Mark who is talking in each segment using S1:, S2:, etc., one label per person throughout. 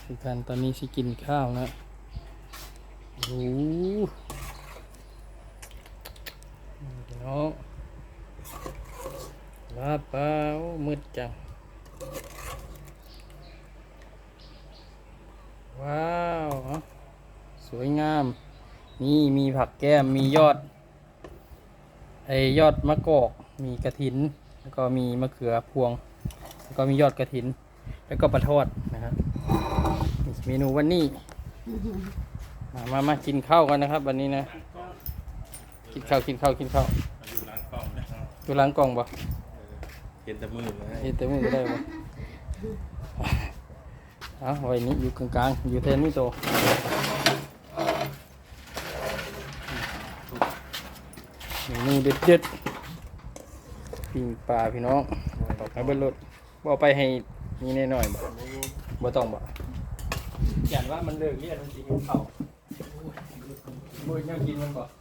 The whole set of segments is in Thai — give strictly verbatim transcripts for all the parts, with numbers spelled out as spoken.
S1: ทุกท่านตอนนี้สิกินข้าวนะโอ้โหเนาะลาบเปล่ามืดจังว้าวสวยงามนี่มีผักแก้มมียอดไอยอดมะกอกมีกระถินแล้วก็มีมะเขือพวงแล้วก็มียอดกระถินแล้วก็ปลาทอดนะครับเมนูวันนี้มามามากินข้าวกันนะครับวันนี้นะกินข้าวกินข้าวกินข้าวอยู่ล้างกล่องนะอยู่ล้างกล่องบ่
S2: เห็นแต่มือเลย
S1: เห็นแต่มือก็ได้บ่เอาไว้นี้อยู่กลางๆอยู่แทนนี่โตเมนูเด็ดเด็ดปิ้งปลาพี่น้องไปเบิ้ลรถบ่ไปให้นี่แน่หน่อยบ่บ่ต้องบ่อย่างว่ามันเลิกเรียนมันสิหิวข้าวบ่ยังกินมันบ่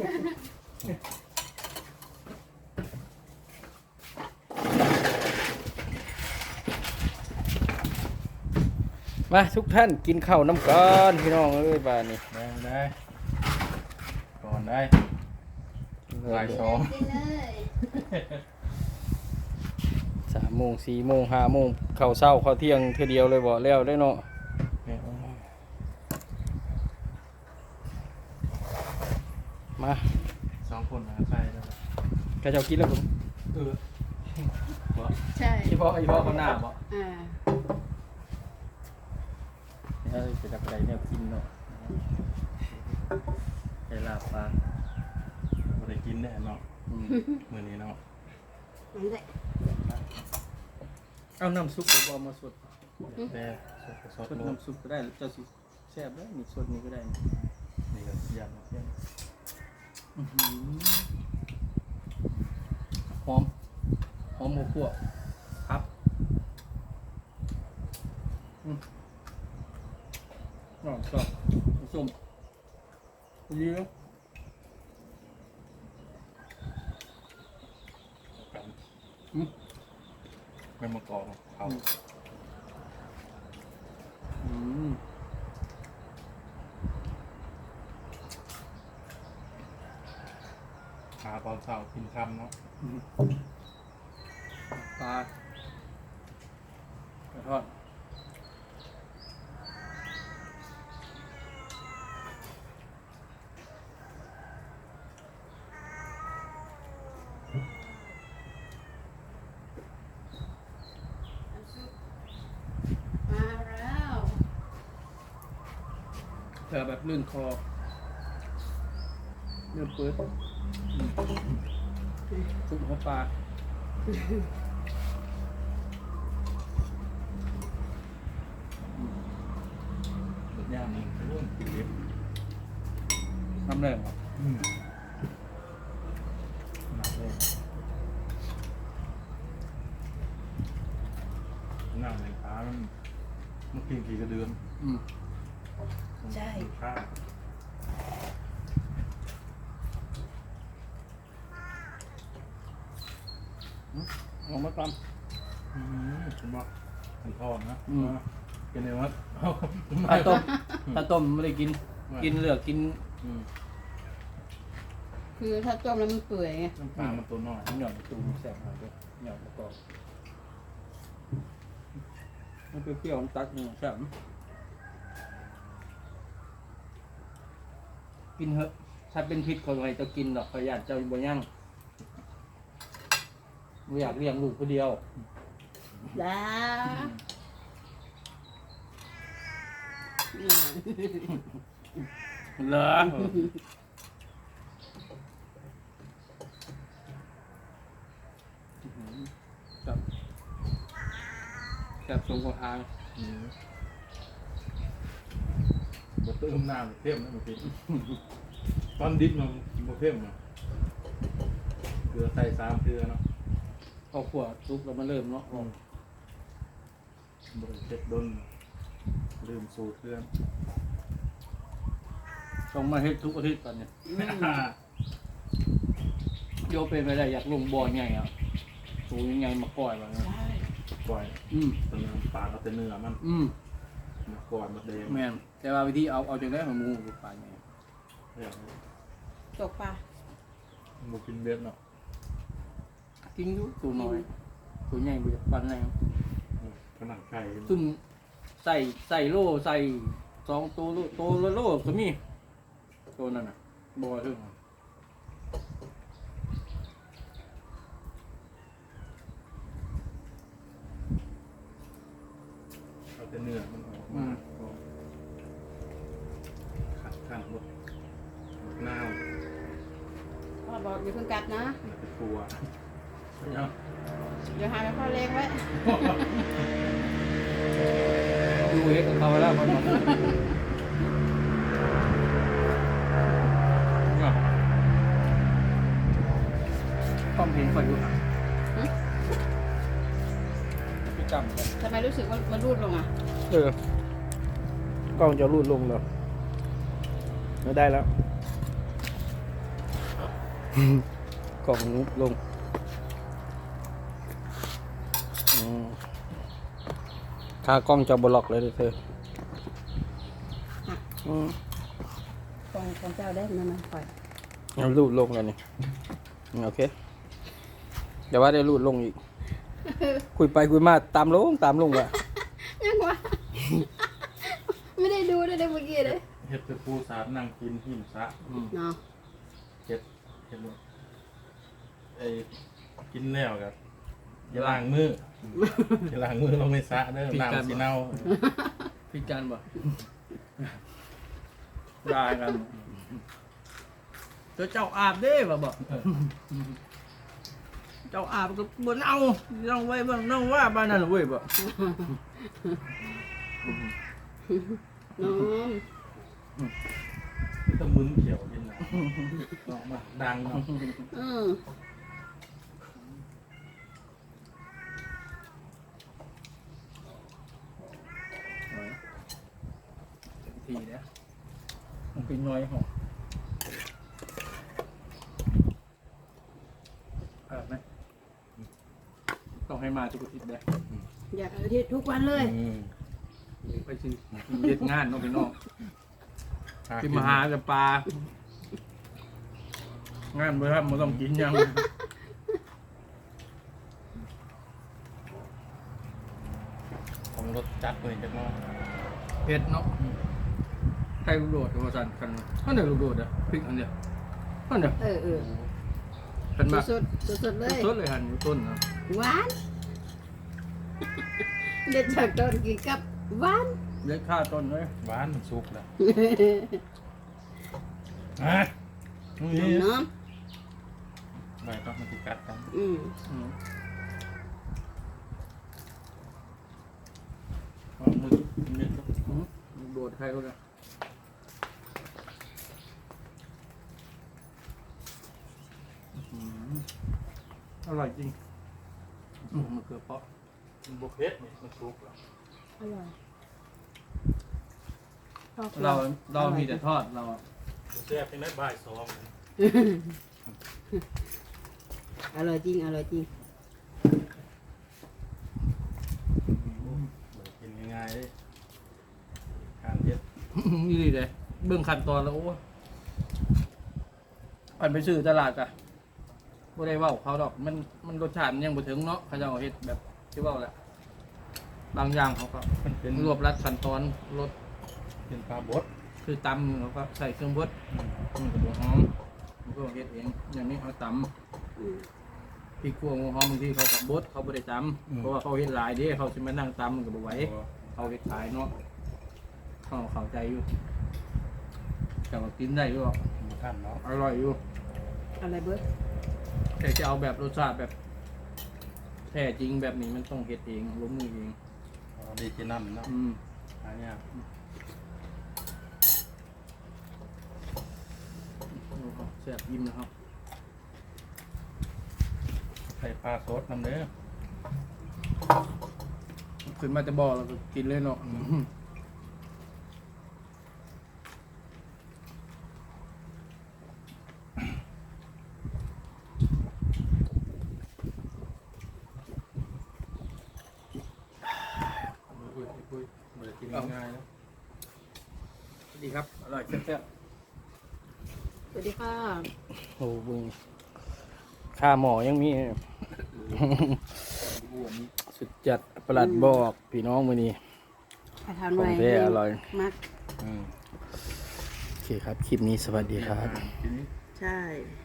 S1: มาทุกท่านกินข้าวน้ำกันพี่น้องเอ้ยบ้านนี้
S2: ได้ได้ก่อนได้บ่ายสอง
S1: สามโมงสี่โมงห้าโมงข้าวเช้าข้าวเที่ยงเท่าเดียวเลยบ่แล้วได้เนาะมา
S2: สองคนนะใช่แล้ว
S1: กระเจ้ากินแล้วผมเออ
S3: ใช่
S1: อีพ่ออีพ่อเขาหน้าบ่
S3: อ่า
S1: เนี่ยจะจับอะไรเนี่ยกินเนาะไก่ลาบปลา
S2: บ่ได้กินแน่เนาะมื้อนี้เนาะ
S3: นั่นแหละ
S1: เอาน้ำซุปผมเอามาสด
S2: แต่สด
S1: สดน้ำซุปก็ได้เจ้าสิแซ่บได้มีสดนี่ก็ได้
S2: นี่ก็ยำเพี้ยน
S1: หอมหอมหมูคั่วครับอืมอ๋อชอบส้มดีเนาะอืม
S2: เป็นมะกอกเขา
S1: อืม
S2: หาตอนเช้ากินค่ำเนาะ
S1: ปลาปลาทอด
S3: มาแล้ว
S1: เธอแบบลื่นคอเนื้อเปื้อนซุปหัวปลา
S2: หมดย่างนี่ร่วมกินเล็บ
S1: น้ำแรงเหรอ
S2: หนักเลยหนังในขามันมันกินกี่กระเดือน
S1: อืม
S3: ใช่
S2: ข้า
S1: ลองมาตาม
S2: อืมผมบอกมันทอดนะเป็นไงวะ
S1: ปลาต้มปลาต้มไม่ได้กินกินเลือกกิน
S3: คือถ้าต้มแล้วมันเปื่อยไง
S2: น้ำปลามันตัวน้อย
S1: หน่อยตูแสบหน่อยด้วยหน่อยประกอบมันเปรี้ยวๆตักหนึ่งแสบกินเหอะถ้าเป็นพิษคนไรจะกินหรอกขยันจะบ่ยั่งไม่อยากเลี้ยงลูกคนเดียว
S3: จ้า
S1: เหรอครับแบบทรงของทาง
S2: บดเติมน้ำเพิ่มนะมันเป็นตอนดิบมันบดเพิ่มเนาะเกลือใส่สามเกลือเนาะ
S1: พอขวดซุกแล้วมันเริ่มเนาะ
S2: บดเจ็ดดนลืมสูตรเรื่อง
S1: ต้องมาเฮ็ดทุกอาทิตย์ตอนนี้โยเป็นไปได้อยากลงบ่อไงอ่ะสูงยังไงมาก่อยแบบนี้
S2: ก่อย
S1: อืม
S2: ตัวเนื้อปลาเอาแต่เนื้อมัน
S1: อืม
S2: มาก่อนมาเดง
S1: แม่นแต่ว่าวิธีเอาเอาจังได้ของหมูปลาไง
S2: อย่าง
S3: ตกปลา
S2: หมูกินเบ็ดเนาะ
S1: กินอยู่ตัวน้อยตัวใหญ่บ่ปานไหน
S2: ขนาดไก่
S1: ซุ่มใส่ใส่โล่ใส่สองตัวโลตัวละโลก็มีตัวนั้นน่ะบ่ถึง
S2: เอาแต่เนื้อมันออกมาขัดขันหมดน้าว
S3: พ่อบอกอย่าเพิ่งกัดนะ
S2: มันจะกลัวเนาะ
S3: เดี๋ยวหาไปพ่อเล็กไว้
S1: ดูเฮ็ดกับเขาแล้วมันต้องเห็นก่อนอยู่พี่จำกัน
S3: ทำไมรู้สึกว่ามันรูดลงอ่ะ
S1: เออกล้องจะรูดลงแล้วไม่ได้แล้ว กล่องรูดลงอืมค่ากล้องจะบล็อกเลยเด้อเธออืม
S3: ของของเจ้าได้นั่นนะปล่อย
S1: เอารูดลงแล้วนี่อืมโอเคเดี๋ยวว่าได้รูดลงอีก คุยไปคุยมาตามลงตามลงว่ะ
S3: ยังวะ ไม่ได้ดูเลยเมื่อกี้เลย
S2: เห็ดเป็นปูสาดนั่งกินหิมซะ
S3: เนาะ
S2: เห็ดเห็ดหมดไอ้กินแล้วกันอย่าล้างมืออย่าล้างมือลงในสระเด้อน้ำสีเน่า
S1: พิการบ่ได้กันเจ้าเจ้าอาบเด้บ่บ่เจ้าอาบก็บ่เอานั่งไว้บ่นั่งว่าบ้านนั่นเว้ยบ่
S3: น้อง
S2: ต้องมึนเขียวกินนะออกมาดังเนาะ
S3: อืม
S1: ทีเนี่ยมันเป็นน้อยหอมเออไหมต้องให้มาทุกอาทิตย์เด้อ
S3: อยากอาทิตย์ทุกวันเลย
S2: อืม
S1: ไปซื้อเฮ็ดงานเนาะพี่น้องที่มาหาแต่ปลา งานบ่ทำบ่ต้องกินหยัง
S2: ผมรสจัดเลยจังเนาะ
S1: เผ็ดเนาะไข่ลูกโดดว่าซั่นคันอันเดียวลูกโดดอ่ะพริกอันเดียวอันเดียว
S3: เออเออ
S1: คันมา
S3: สดสดสดๆเลย
S1: สดเลยหั่นอยู่ต้นนะ
S3: หวาน เด็ดจากต้นกินกับหวาน
S1: เล็กค่าต้นเลย
S2: หวานมันสุกแล้วอ่ะนี่
S3: น้อง
S2: ใบต้องมาติดกัดกัน
S3: อืม
S1: อืมเอามือเม็ดอืมลูกโดดไข่ก็ได้อืมอร่อยจริงอืมมะเขือเปราะ
S2: มันบุกเพ็ดนี่มันสุกแล้ว
S3: อร่อยชอบ
S1: เราเรามีแต่ทอดเราอะ
S2: มันแซ่บเป็นได้บ่ายสอง
S3: อร่อยจริงอร่อยจริง
S2: กินง่ายๆเลยการเย็ด
S1: นี่ดีเลยเบื้องขั้นตอนแล้วโอ้ยอันไปซื้อตลาดกะบ่ได้เว้าเขาดอกมันมันรสชาติมันยังบ่ถึงเนาะเขาจะเอาเฮ็ดแบบที่เว้าแหละบางอย่างเขาก็
S2: มันเป็น
S1: รวบรัดขั้นตอนรส
S2: เป็นปลาบด
S1: คือตำเขาก็ใส่เครื่องบดมันก็บ่หอมมันก็เฮ็ดเองอย่างนี้เขาต
S3: อืม
S1: ำพริกขั่วหัวหอมบางทีเขาก็บดเขาบ่ได้ตำเพราะว่าเขาเฮ็ดหลายเด้เขาสิมานั่งตำมันก็บ่ไหวเขาเฮ็ดขายเนาะเขาเข้าใจอยู่แต่ว่ากินได้อยู่หรอก
S2: ท่านเนาะ
S1: อร่อยอยู่
S3: อะไรเบิร์ด
S1: แต่จะเอาแบบรสชาติแบบแท้จริงแบบนี้มันต้องเฮ็ดเองลงมือเอง
S2: ดีเจนัมเนาะ
S1: อืม
S2: อันเนี้ย
S1: แซ่บยิ้มนะครับ
S2: ใส่ปลาสดน้ำเด้อ
S1: ขึ้นมาจะบอกแล้วก็กินเลยเนาะ
S2: เบิดกินง่ายๆนะ
S1: สวัสดีครับอร่อยแซ่บ
S3: สวัสดีค่ะ
S1: ๆโอ้บึงข้าหมอยังมี สุดจัดประหลัดบอกพี่น้องมื้อนี้
S3: ไปทาน
S1: ของ
S3: ไว้
S1: แท้อร่อย
S3: มัก
S2: อืม
S1: โอเคครับ คลิปนี้สวัสดีครับ
S2: กิน
S3: ใช่